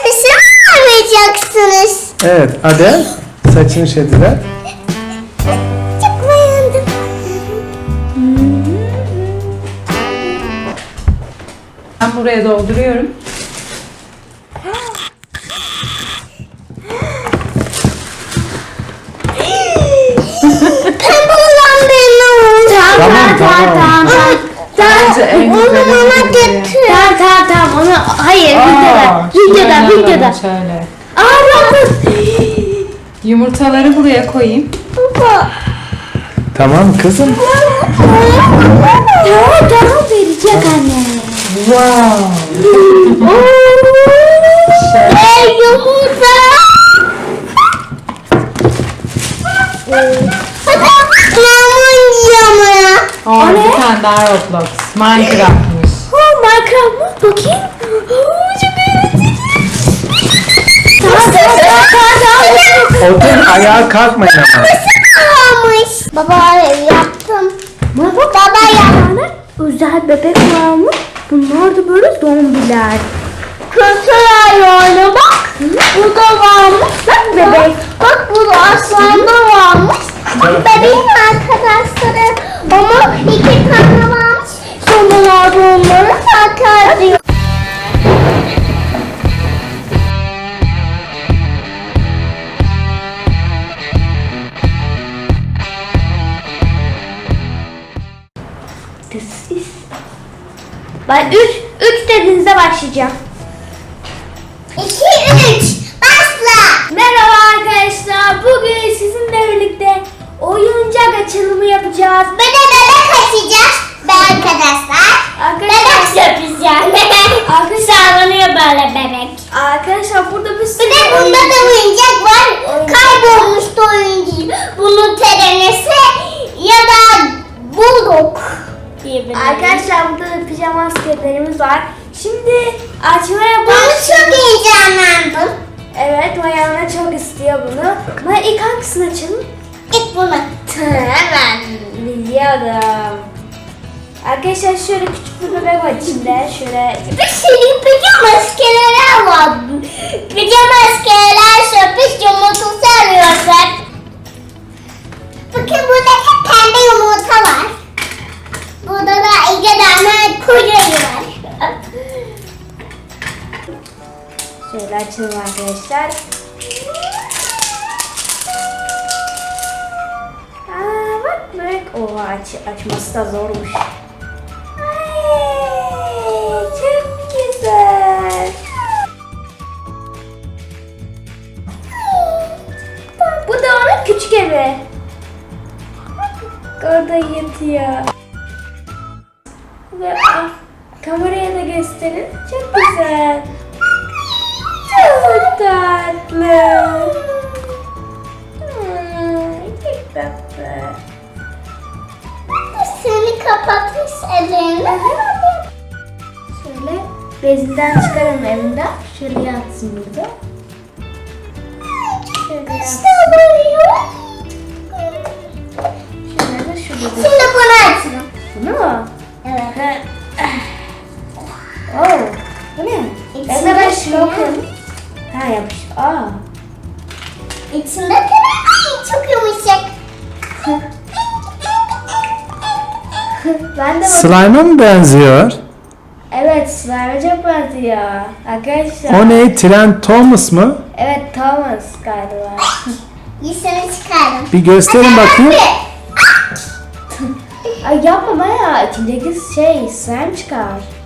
saçını arayacaksınız. Evet Adel saçını şediler. Çok beğendim. Ben buraya dolduruyorum. Pembe olan benim. Tamam. Bence en Onu güzeli bana bu ya. getir. Tamam onu hayır Şöyle videoda. alalım, Şöyle. Bakın. Yumurtaları buraya koyayım. Baba. Tamam kızım. Tamam verecek anne. Wow. Yumurta. Maymun yiyor mu? Aa, bir tane daha Roblox. Minecraft'mış. Minecraft mı? Bakayım. Çok eğlenceli. Otur ayağa kalkmayın ama. Almış. Baba yaptım. Baba yaptı. Özel bebek varmış. Bunlar da böyle zombiler. Kötü ayağına bak. Bu da varmış. Bak bebek. Bak bu da aslanda varmış. Bebeğin arkadaşları. Ama 2 tane varmış. Sonralarda onları takar diyor. Ben 3 dediğinizde başlayacağım. 2, 3. Başla. Merhaba arkadaşlar. Bugün sizinle birlikte oyuncak açılımı yapacağız. Bir de bebek açacağız. Be arkadaşlar. Bebek sürpriz yani. Sağlanıyor böyle bebek. Arkadaşlar burada bir sürü Bir de bunda da oyuncak var. Kaybolmuştu oyuncak. Bunun terenesi ya da bulduk diyebiliriz. Arkadaşlar burada da pijama askerlerimiz var. Şimdi açmaya Ben baş. çok heyecanlandım. Evet Mayana çok istiyor bunu. Maya ilk hangisini açalım? İlk bunu. Hemen biliyordum. Arkadaşlar şöyle küçük bir bebek var içinde. Şöyle Bir sürü pijama maskeler var. Pijama maskeler sürpriz yumurtası arıyorsak. Bakın burada hep pembe yumurta var. Burada da 2 tane kuyruğu var. şöyle açalım arkadaşlar. Bak bebek. Oha açması da zormuş. Ay, çok güzel. Bu da onun küçük evi. Orada yatıyor. Ve kameraya da gösterin. Çok güzel. Çok tatlı. Çok tatlı. Seni kapatmış ellerini. Şöyle bezinden çıkarın evinden. Şöyle yatsın burada. Şöyle yatsın. İşte böyle. Şöyle de şurada. Şimdi bunu açalım. Bunu mu? Evet. Oh, bu ne? İçinde Ben şey şunu okuyalım. Ha yapış. İçinde tren. Ay çok yumuşak. Ben de Slime'a mı benziyor? Evet, slime çok benziyor. Arkadaşlar. O ne? Trent Thomas mı? Evet, Thomas galiba. Yüzünü çıkardım. Bir gösterin bakayım. Ay yapma Maya. İçindeki slime çıkar.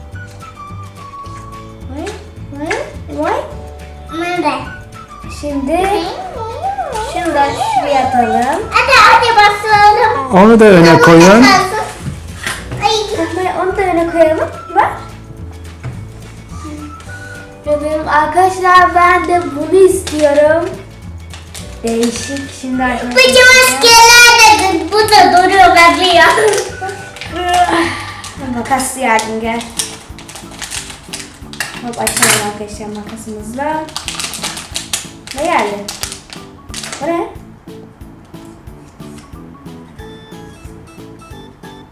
Vay. Nerede? Şimdi şunu da şuraya atalım. Hadi basalım. Onu da öne koyun. Ay. Maya onu da öne koyalım. Ver. Bebeğim arkadaşlar ben de bunu istiyorum. Değişik şimdi arkadaşlar. Bu maskeler de bu da duruyor bekliyor. Makas yardım gel. Hop açalım arkadaşlar makasımızla. Ne geldi? O ne?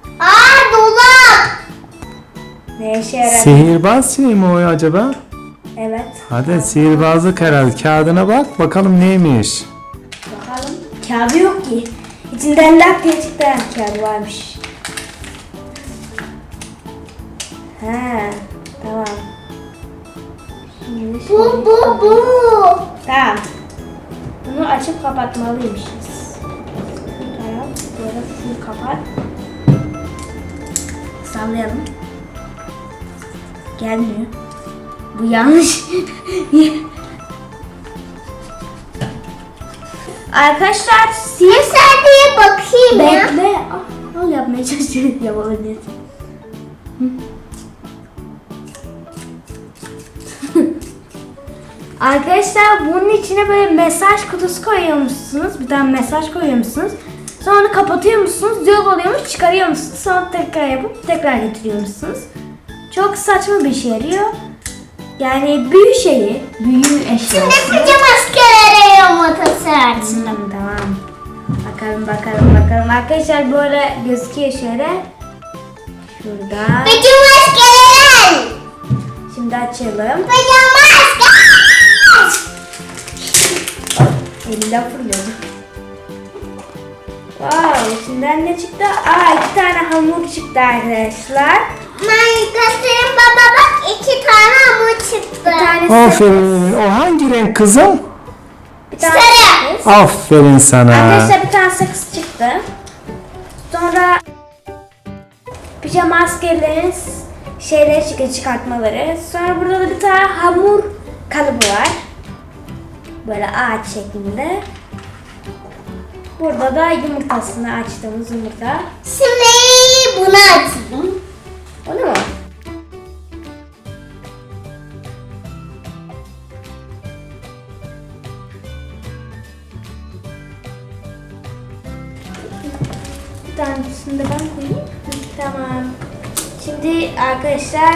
Aa dolap. Ne işe yarar? Sihirbaz şey mi o acaba? Evet. Hadi sihirbazlık herhalde. Kağıdına bak bakalım neymiş. Bakalım. Kağıdı yok ki. İçinden lak diye çıktı. Kağıdı varmış. He, tamam. Şimdi Bu. Tamam. Bunu açıp kapatmalıymışız. Tamam. Böyle şunu kapat. Sallayalım. Gelmiyor. Bu yanlış. Arkadaşlar Sen diye bakayım ya. bekle. Al yapmaya çalışıyorum. Yapabilirsin. Arkadaşlar bunun içine böyle mesaj kutusu koyuyormuşsunuz. Bir tane mesaj koyuyormuşsunuz. Sonra onu kapatıyormuşsunuz. Yok oluyormuş, çıkarıyormuşsunuz. Sonra tekrar yapıp tekrar getiriyormuşsunuz. Çok saçma bir işe yarıyor. Yani büyü eşyası. Ne pijama askerlere yumurtası açtım. Tamam. Bakalım. Arkadaşlar böyle gözüküyor şöyle. Şurada. Pijama askerler. Şimdi açalım. Pijama asker. Elimden fırlıyordu. Wow, içinden ne çıktı? Aa, 2 tane hamur çıktı arkadaşlar. Ben göstereyim baba bak 2 tane hamur çıktı. Bir tanesi Aferin. O hangi renk kızım? bir tane Sarı. sakız. Aferin sana. Arkadaşlar bir tane sakız çıktı. Sonra pijama askerlerin şeyleri çıktı, çıkartmaları. Sonra burada da bir tane hamur kalıbı var. Böyle ağaç şeklinde. Burada da yumurtasını açtığımız yumurta. Şimdi bunu açayım. Onu mu? Bir tanesini de ben koyayım. Tamam. Şimdi arkadaşlar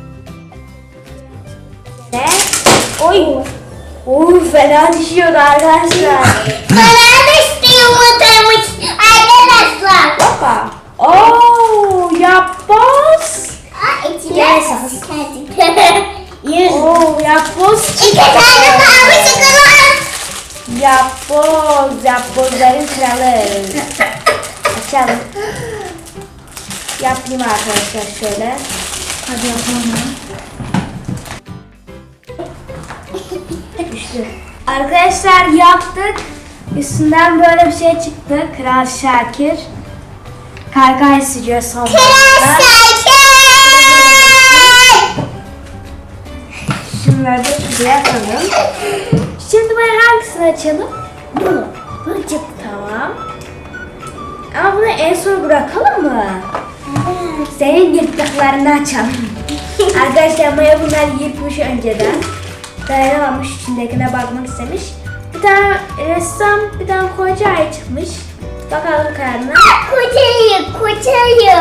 ve oy. Oy fena düşüyordu arkadaşlar. Bana düştü yumurtamış arkadaşlar. Hoppa. Oo yapboz. İçine Yes. Oo yapboz. 2 tane mavi çikolata. Yapbozların kralı. Açalım. Yapayım arkadaşlar şöyle. Hadi yapalım. Düştü. Arkadaşlar yaptık. Üstünden böyle bir şey çıktı. Kral Şakir. Kargay sürüyor son zamanda. Şunları da şuraya atalım. Şimdi ben hangisini açalım? Bunu. Tamam. Ama bunu en son bırakalım mı? Senin yırttıklarını açalım. Arkadaşlar Maya bunları yırtmış önceden. Dayanamamış, içindekine bakmak istemiş. Bir tane ressam, bir tane koca ay çıkmış. Bakalım karnına. Kocayı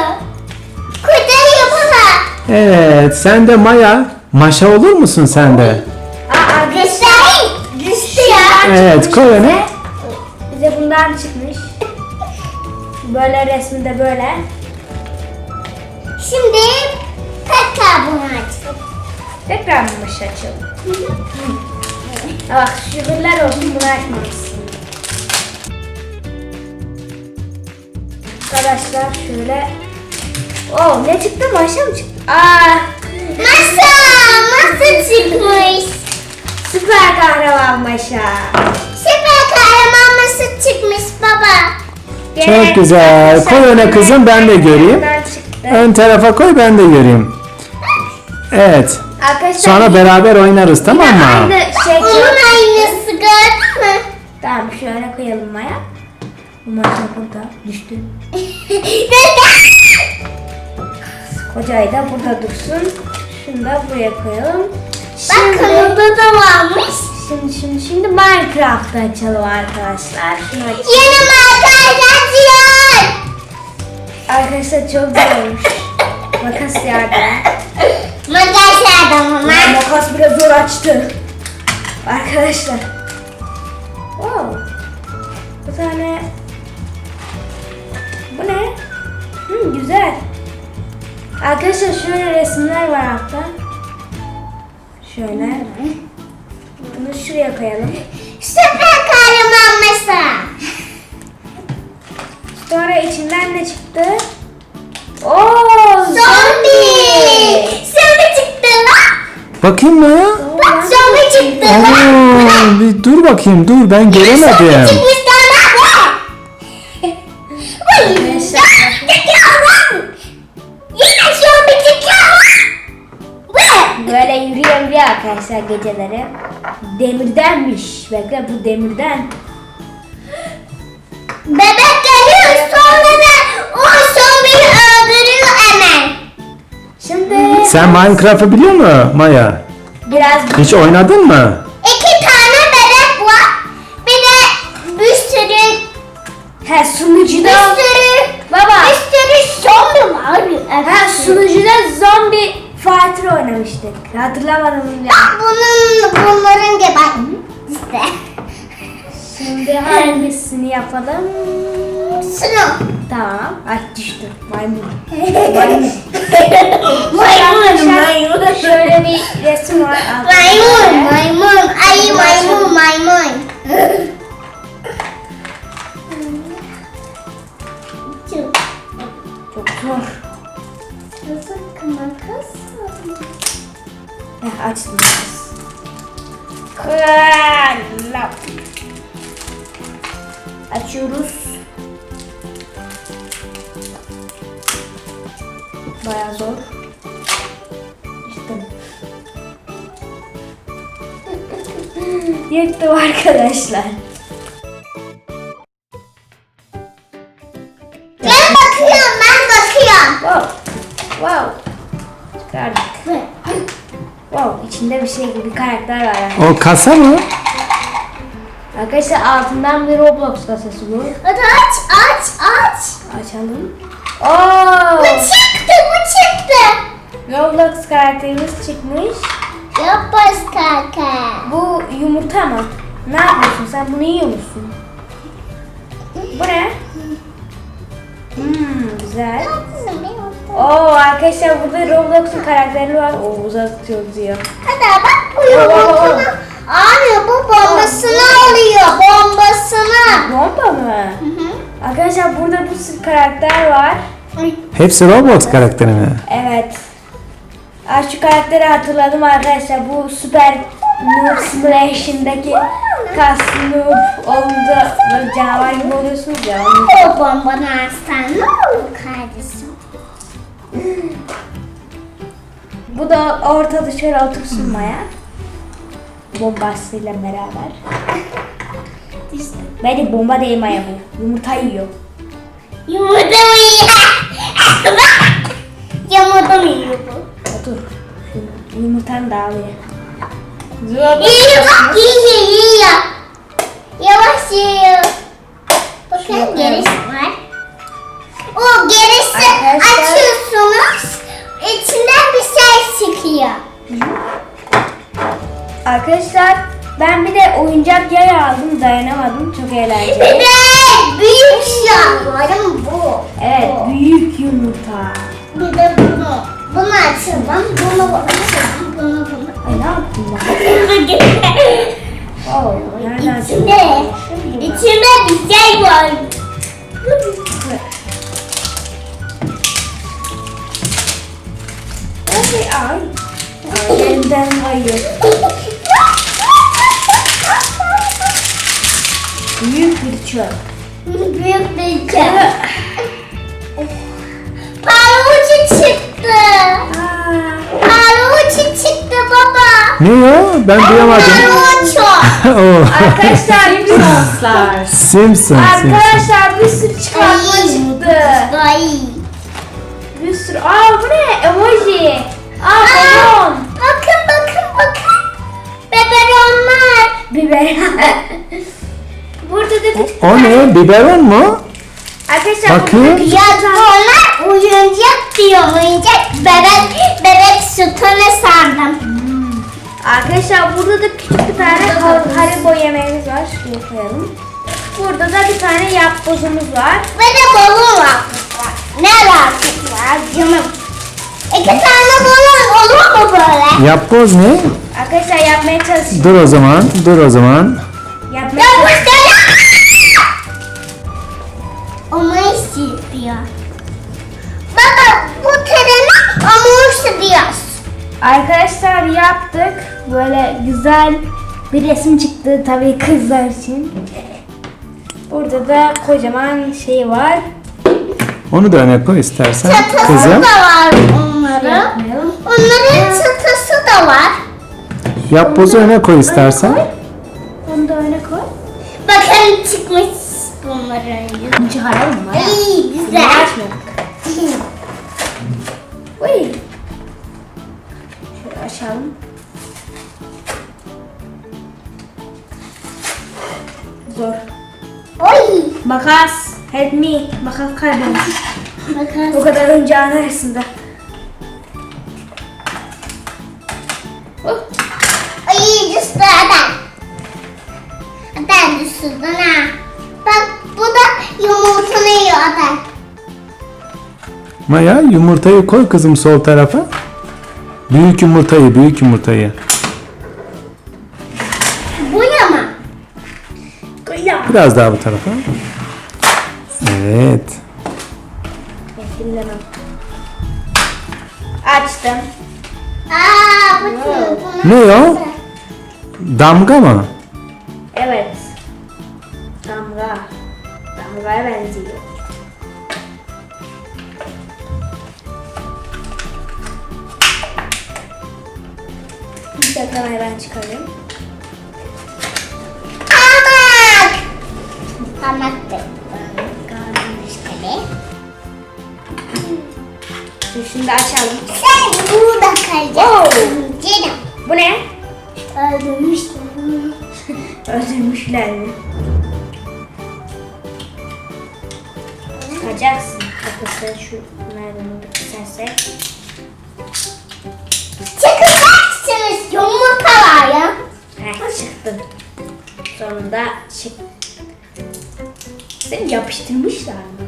bana. Evet sen de Maya. Maşa olur musun sen de? Arkadaşlar Düştü ya. Evet koy onu. bize bundan çıkmış. Böyle resmi de böyle. Şimdi tekrar bunu açalım. Tekrar mı başı açalım? Bak şükürler olsun bunu açmamışsın. Arkadaşlar şöyle. Oo ne çıktı? Maşa mı çıktı? Aa Masa çıkmış. süper kahraman maşa. Süper kahraman masa çıkmış baba. Çok güzel. Koy öne kızım, ben de göreyim. Bundan çıktı. Ön tarafa koy ben de göreyim. Evet. Arkadaşlar Sonra beraber oynarız tamam mı? aynı şey. Onun aynısı gördün mü? Tamam şöyle koyalım Maya. Bu maşa burada düştü. Kocayı da burada dursun. Şunu da buraya koyalım. Bakın orada da varmış. Şimdi Minecraft'ı açalım arkadaşlar. Şunu aç. Yeni makarnacılar. Arkadaşlar çok güzel olmuş. Makas yardım. Makas adamı. Makas biraz zor açtı. Arkadaşlar. Wow. Bir tane. Bu ne? Güzel. Arkadaşlar şöyle resimler var altta. Şöyle. Bunu şuraya koyalım. Süper kahraman masa. Sonra içinden ne çıktı? Oo, Zombi. Zombi çıktı lan. Bakayım Maya. Bak zombi çıktı lan. Oo, bir dur bakayım dur ben Zombi göremedim. çıkmış lan. Vay, çıkıyor lan. Yine zombi çıkıyor lan. Vay. böyle yürüyor arkadaşlar geceleri. Demirdenmiş. Bekle, bu demirden. Bebek geliyor sonra da o zombiyi öldürüyor hemen. Şimdi Sen Minecraft'ı biliyor musun Maya? biraz Hiç oynadın mı? 2 tane bebek var. Bir de bir sürü sunucuda baba. bir sürü zombi var. Sunucuda zombi Fighter oynamıştık. Hatırlamadım ya. Bunların gibi bak işte. Şimdi hangisini yapalım? Şunu. Tamam. Ay düştü. Maymun. Maymun. Şöyle bir resim var. Maymun. Ay maymun. Çok zor. Açtım. Kral. Açıyoruz. Bayağı zor. Yıktım. Yıktım arkadaşlar. Ben bakıyorum. Wow. Wow. Çıkardık. Wow. İçinde bir şey gibi karakter var yani. O kasa mı? Arkadaşlar altından bir Roblox kasası bu. Hadi aç. Açalım. Oo! Bu çıktı. Roblox karakterimiz çıkmış. Yapaz kaka. Bu yumurta mı? Ne yapıyorsun sen? Bunu yiyor musun? Bu ne? Güzel. Oo arkadaşlar burada Roblox'un karakteri var. Oo uzatıyor diyor. Hadi bak bu yumurtanı. Abi bu bombasını alıyor. Bombasını. Bomba mı? Arkadaşlar burada bir sürü karakter var. Hepsi Roblox karakteri mi? Evet. Şu karakteri hatırladım arkadaşlar. Bu Super Noob Simulation'daki kaslı noob olunca böyle canavar gibi oluyorsunuz ya. O bombanı alsan ne olur kardeşim? Bu da ortada şöyle otursun Maya. Bombasıyla beraber. Bence bomba değil Maya bu. Yumurta yiyor. Yumurta mı yiyor? Yumurta mı yiyor bu? Otur. Yumurtanı da alıyor. Yiyor bak yiyor. Yavaş yiyor. Bakın gerisi var. O gerisi Arkadaşlar- açıyorsunuz. İçinden bir şey çıkıyor. Arkadaşlar ben bir de oyuncak yay aldım, dayanamadım, çok eğlenceli. Bebek büyük yavrum bu. Evet, büyük yumurta. Bir de bunu. Bunu açalım. Bunu açalım. Bunu. Ay ne yaptın lan? Oo, nereden İçinde. İçinde bir şey var. Ay. Elimden kayıyor. Büyük bir çöp. Büyük bir şey. Palucu çıktı. Palucu çıktı baba. Ne ya? Ben duyamadım. Palucu. Oo. Arkadaşlar Simpsonslar. Simpson. Arkadaşlar bir sürü çıkartma çıktı. Ay. Bir sürü. Bu ne? Emoji. Balon. Bakın. Beberonlar. Biber. Burada da O ne? Biberon mu? arkadaşlar Bakayım. burada Ya onlar oyuncak diyor. Oyuncak bebek sütunu sardım. Arkadaşlar burada da küçük bir tane Haribo yemeğimiz var. Şuraya koyalım. Burada da bir tane yapbozumuz var. Ve de balon var. Ne alakası var canım? İki tane balon olur mu böyle? Yapboz ne? Arkadaşlar yapmaya çalışıyorum. Dur o zaman. Dur o zaman. Yapmaya Ya bu çalışıyorum. Onu istiyor. Baba bu treni onu istiyor. Arkadaşlar yaptık. Böyle güzel bir resim çıktı tabii kızlar için. Burada da kocaman şey var. Onu da öne koy istersen. Çatısı Kızım. da var onların. Yapmayalım. Onların çatısı da var. Yapbozu öne koy istersen. Onu da öne koy. Bakın çıkmış bunların yüzü. Çıkaralım mı? İyi Bunu güzel. açmadık. Uy. Şöyle açalım. Zor. Oy. Makas. Help me. Makas kaybolmuş. Bakın. O kadar oyuncağın arasında. Ay düştü adam. Adam düştü ha. Bak bu da yumurtanı yiyor adam. Maya yumurtayı koy kızım sol tarafa. Büyük yumurtayı, büyük yumurtayı. Bu yama. Biraz daha bu tarafa. Evet. Dinlemem. Açtım. Aa bunu. Ne o? Damga mı? Evet. Damga. Damgaya benziyor. Bir dakika ben çıkarayım. Hamak. Hamak da. İşte. Şimdi açalım. Sen burada kalacaksın. Canım. Bu ne? Öldürmüşler. Öldürmüşler mi? Çıkacaksın. Arkadaşlar şu merdiveni bir kesersek. Çıkacaksınız. Yumurta var ya. Heh, çıktı. Sonunda çık. Seni yapıştırmışlar mı?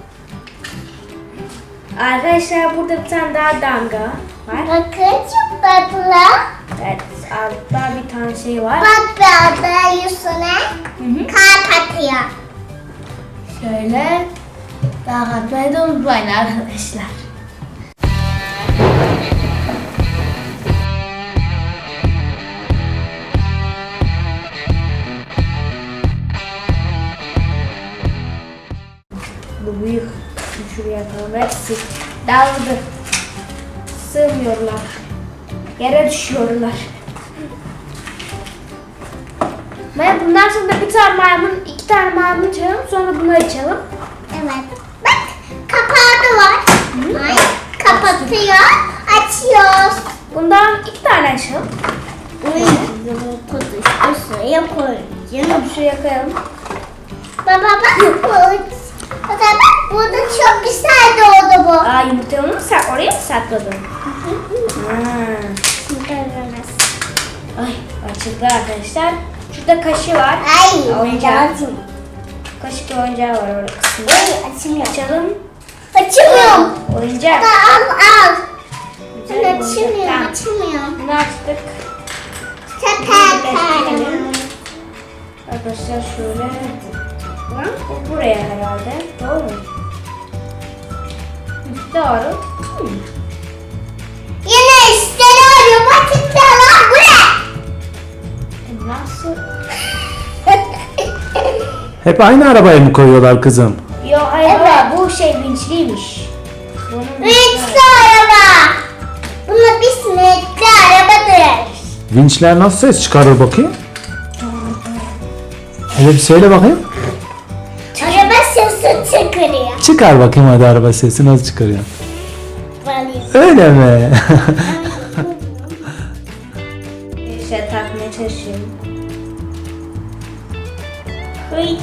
Arkadaşlar burada bir tane daha damga var. Bakın çok tatlı. Evet, altta bir tane şey var. Bak bir yüzüne kalp atıyor. Şöyle daha atmayı da unutmayın arkadaşlar. Bu büyük. Şuraya koyalım. Hepsi dağıldı. Sığmıyorlar. Yere düşüyorlar. Ben bundan sonra da bir tane maymun, iki tane maymun çalalım. Sonra bunu açalım. Evet. Bak kapağı da var. Ay, kapatıyor. Açıyoruz. Bundan iki tane açalım. Kutuyu şuraya koyacağım. Şuraya koyalım. Baba bak. Baba bak burada çok güzel doğdu bu. Aa, yumurtayı onu mu oraya mı sakladın? Ay, açıldı arkadaşlar. Şurada kaşı var. Ay Oyuncak. Kaşık ve oyuncağı var orada kısmında. Ay açılmıyor. Açalım. Açamıyorum. Oyuncak. Al al. Güzel Ben oyuncak. açamıyorum. Tamam. Açamıyorum. Bunu açtık. Tepe. Arkadaşlar şöyle. Bu buraya herhalde. Doğru mu? Doğru. Yine üstleri arıyor. Batıkta lan bu ne? Nasıl? Hep aynı arabaya mı koyuyorlar kızım? Yo hayır Evet. baba, bu şey vinçliymiş. Bunun Renkli araba. Buna biz renkli araba deriz. Vinçler nasıl ses çıkarır bakayım? Hele bir söyle bakayım. Araba sesi çıkarıyor. Çıkar bakayım hadi araba sesi nasıl çıkarıyor? Valiz. Öyle mi? şey takmaya çalışıyorum. Hıy.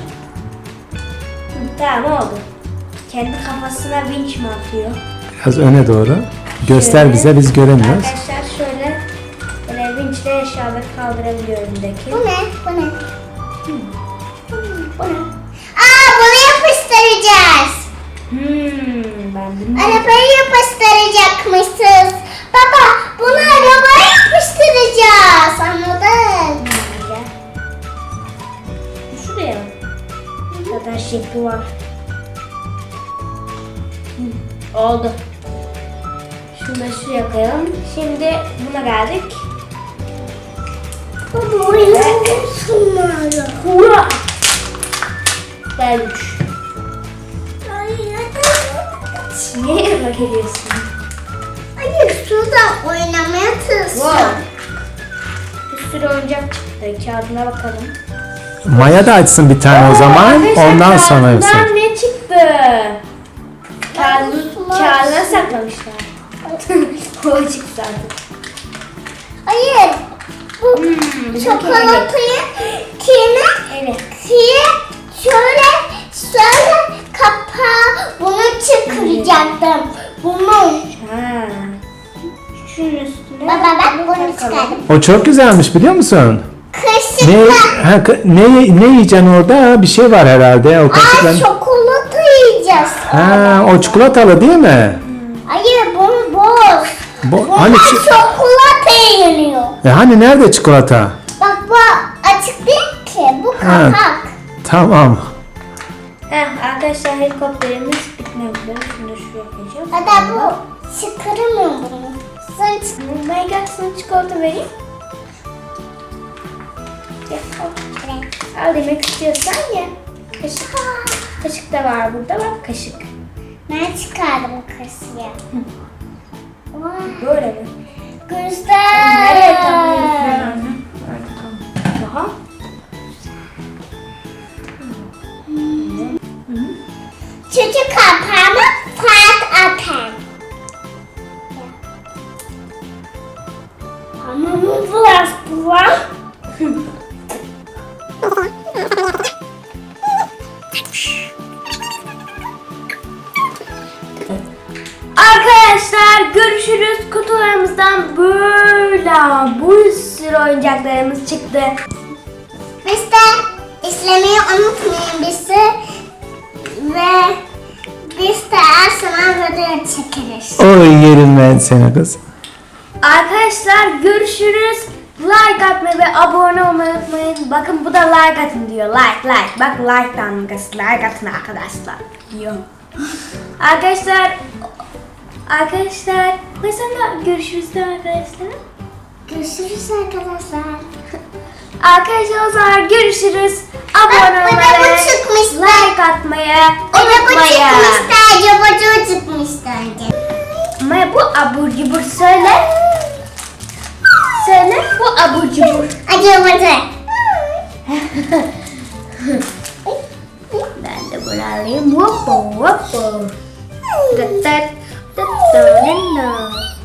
Tamam oldu. Kendi kafasına vinç mi atıyor? Biraz öne doğru. Göster Şöyle. bize biz göremiyoruz. Arkadaşlar şöyle böyle vinçle eşyaları kaldırabiliyor önündeki. Bu ne? Bu ne? Bu ne? Aa bunu yapıştıracağız. Ben bilmiyorum. Arabayı yapıştıracakmışız. Baba bunu arabaya yapıştıracağız. Anladın? Şuraya. Zaten şekli var. Oldu. Şunu da şuraya koyalım. Şimdi buna geldik. Baba oynamıyorsun hala. Hurra! Gelmiş. Niye yanıma geliyorsun? Hayır şurada oynamaya tırstım. Wow. Bir sürü oyuncak çıktı. Kağıdına bakalım. Maya da açsın bir tane o zaman. Arkadaşlar, Ondan sonra kağıdından yapsın. ne çıktı? Kağıdına saklamışlar. O çıktı zaten. Hayır. Bu bizim çikolatayı kime? Evet. Şöyle kapağı bunu çıkaracaktım. Bunu. Ha. Şunun üstüne. Baba ben bunu çıkardım. O çok güzelmiş biliyor musun? Ne, Kaşıkla. ne yiyeceksin orada? Bir şey var herhalde. O Ay kaşıkla. çikolata yiyeceğiz. Ha, o çikolatalı değil mi? Hayır bunu boz. Hani, Bunlar çikolata yeniyor. hani nerede çikolata? Bak bu açık değil ki. Bu Ha. kapak. Tamam. Arkadaşlar helikopterimiz bitmek üzere. Şunu da şuraya koyacağım. Hatta bu çıkaramıyor bunu. Sen çık. Ben gel sana çikolata vereyim. Gel, al. Al demek istiyorsan ye. Kaşık. Kaşık da var burada, bak kaşık. Ben çıkardım kasıya. Böyle mi? Güzel. Nereye takıyorsun? Daha. Çocuk kapağımı fark atar. Ama bu biraz bu var. Arkadaşlar görüşürüz. Kutularımızdan böyle bir sürü oyuncaklarımız çıktı. Biz de izlemeyi unutmayın bizi. Ve biz de her zaman video çekeriz. Oy yerim ben seni kız. Arkadaşlar görüşürüz. Like atmayı ve abone olmayı unutmayın. Bakın bu da like atın diyor. Like. Bak like damgası. Like atın arkadaşlar diyor. Arkadaşlar mesela görüşürüz de arkadaşlar. Görüşürüz arkadaşlar. Arkadaşlar o zaman görüşürüz. Abone Bak, olmayı, bu çıkmıştı. like atmayı Araba unutmayın. çıkmıştı. Araba çıkmıştı önce. Ama bu abur cubur söyle. Söyle bu abur cubur. Araba. Ben de bunu alayım. Whoppo whoppo. Tıt tıt tıt tıt tıt.